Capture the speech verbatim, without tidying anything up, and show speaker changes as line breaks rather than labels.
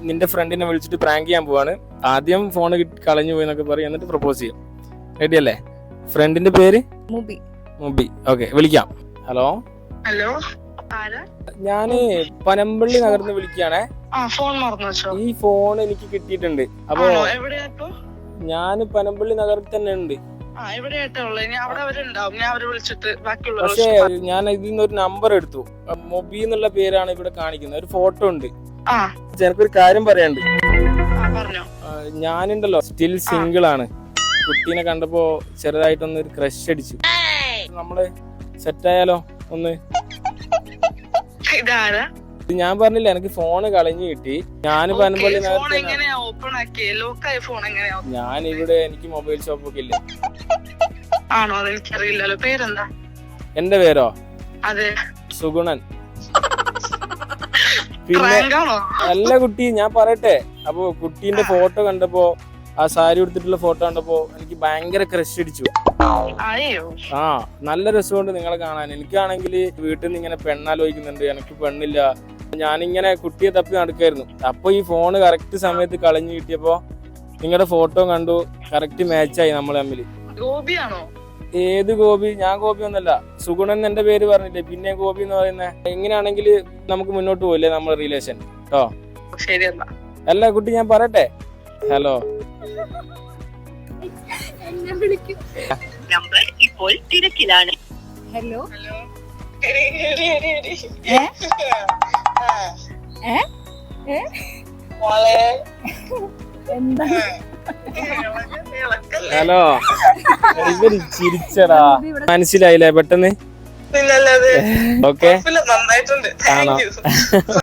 നിന്റെ ഫ്രണ്ടിനെ വിളിച്ചിട്ട് പ്രാങ്ക് ചെയ്യാൻ പോവാണ്. ആദ്യം ഫോൺ കളഞ്ഞു പോയി എന്നൊക്കെ പറയും, എന്നിട്ട് പ്രപ്പോസ് ചെയ്യും. റെഡി അല്ലേ? ഫ്രണ്ടിന്റെ പേര്
മുബി.
മുബി. ഓക്കെ, വിളിക്കാം. ഹലോ
ഹലോ,
ഞാന് പനമ്പള്ളി നഗർന്ന് വിളിക്കുകയാണേ.
ഫോൺ മറന്നു വെച്ചോ?
ഈ ഫോൺ എനിക്ക് കിട്ടിയിട്ടുണ്ട്. അപ്പൊ
എവിടെയാ?
ഞാൻ പനമ്പള്ളി നഗറിൽ തന്നെ ഉണ്ട്. പക്ഷേ ഞാൻ ഇതിൽ നിന്ന് ഒരു നമ്പർ എടുത്തു. മൊബി എന്നുള്ള പേരാണ് ഇവിടെ കാണിക്കുന്നത്. ഒരു ഫോട്ടോ ഉണ്ട്. എനിക്കൊരു കാര്യം പറയാനുണ്ട്. ഞാനുണ്ടല്ലോ സ്റ്റിൽ സിംഗിൾ ആണ്. കുട്ടീനെ കണ്ടപ്പോ ചെറുതായിട്ടൊന്ന് ഒരു ക്രഷ് അടിച്ചു. നമ്മള് സെറ്റായാലോ? ഒന്ന് ഞാൻ പറഞ്ഞില്ല, എനിക്ക് ഫോണ് കളഞ്ഞു കിട്ടി. ഞാൻ പനമ്പള്ളി ഞാൻ ഇവിടെ എനിക്ക് മൊബൈൽ ഷോപ്പ് ഒക്കെ ഇല്ല.
ആണോ? അതെനിക്കറിയില്ലല്ലോ. പേരെന്താ?
എന്റെ പേരോ?
അതെ,
സുഗുണൻ. പിന്നെ നല്ല കുട്ടി, ഞാൻ പറയട്ടെ. അപ്പൊ കുട്ടീന്റെ ഫോട്ടോ കണ്ടപ്പോ, ആ സാരി എടുത്തിട്ടുള്ള ഫോട്ടോ കണ്ടപ്പോ എനിക്ക് ഭയങ്കര ക്രഷ് അടിച്ചു. ആ, നല്ല രസമുണ്ട് നിങ്ങളെ കാണാൻ. എനിക്കാണെങ്കിൽ വീട്ടിൽ നിന്ന് ഇങ്ങനെ പെണ്ണാലോചിക്കുന്നുണ്ട്, എനിക്ക് പെണ്ണില്ല. ഞാനിങ്ങനെ കുട്ടിയെ തപ്പി നടക്കായിരുന്നു. അപ്പൊ ഈ ഫോണ് കറക്റ്റ് സമയത്ത് കളഞ്ഞു കിട്ടിയപ്പോ നിങ്ങളുടെ ഫോട്ടോ കണ്ടു. കറക്റ്റ് മാച്ചായി നമ്മൾ തമ്മിൽ.
ഗോപിയാണോ?
ഏത് ഗോപി? ഞാൻ ഗോപി ഒന്നല്ല. സുഗുണൻ എന്റെ പേര് പറഞ്ഞില്ലേ, പിന്നെ ഗോപി എന്ന് പറയുന്നത്. എങ്ങനെയാണെങ്കിൽ നമുക്ക് മുന്നോട്ട് പോയില്ലേ നമ്മുടെ റിലേഷൻ? കേട്ടോ? അല്ല കുട്ടി, ഞാൻ പറയട്ടെ. ഹലോ,
നമ്പർ ഇപ്പോൾ തിരക്കിലാണ്.
ഹലോ, എന്താ?
ഹലോ, ഇവര് ചിരിച്ചടാ. മനസ്സിലായില്ലേ പെട്ടെന്ന്?
പിന്നല്ലാതെ.
ഓക്കെ,
നന്നായിട്ടുണ്ട്.
ആണോ?